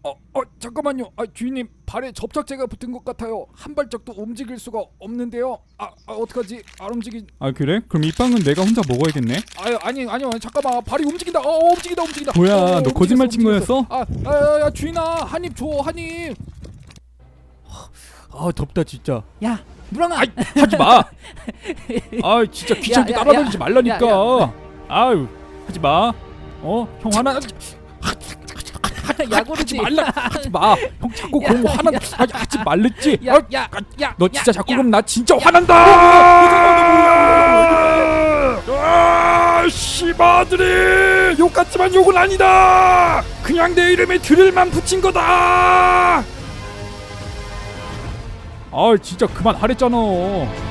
잠깐만요. 주인님, 발에 접착제가 붙은 것 같아요. 한 발짝도 움직일 수가 없는데요. 어떡하지? 안 움직이. 그래? 그럼 이 빵은 내가 혼자 먹어야겠네. 아니요. 잠깐만. 발이 움직인다. 움직인다. 뭐야, 너 거짓말 친 거였어? 야, 주인아, 한 입 줘, 한 입. 덥다 진짜. 야, 누랑아. 하지 마. 진짜 귀찮게 따라다니지 말라니까. 하지 마. 형 하나. 야구르지. 하지 마. 형 자꾸 그런 거 하나 하지 말랬지. 야. 너 진짜 자꾸 그럼 나 진짜 화난다. 씨바들이 욕 같지만 욕은 아니다. 그냥 내 이름에 드릴만 붙인 거다. 진짜 그만 하랬잖아.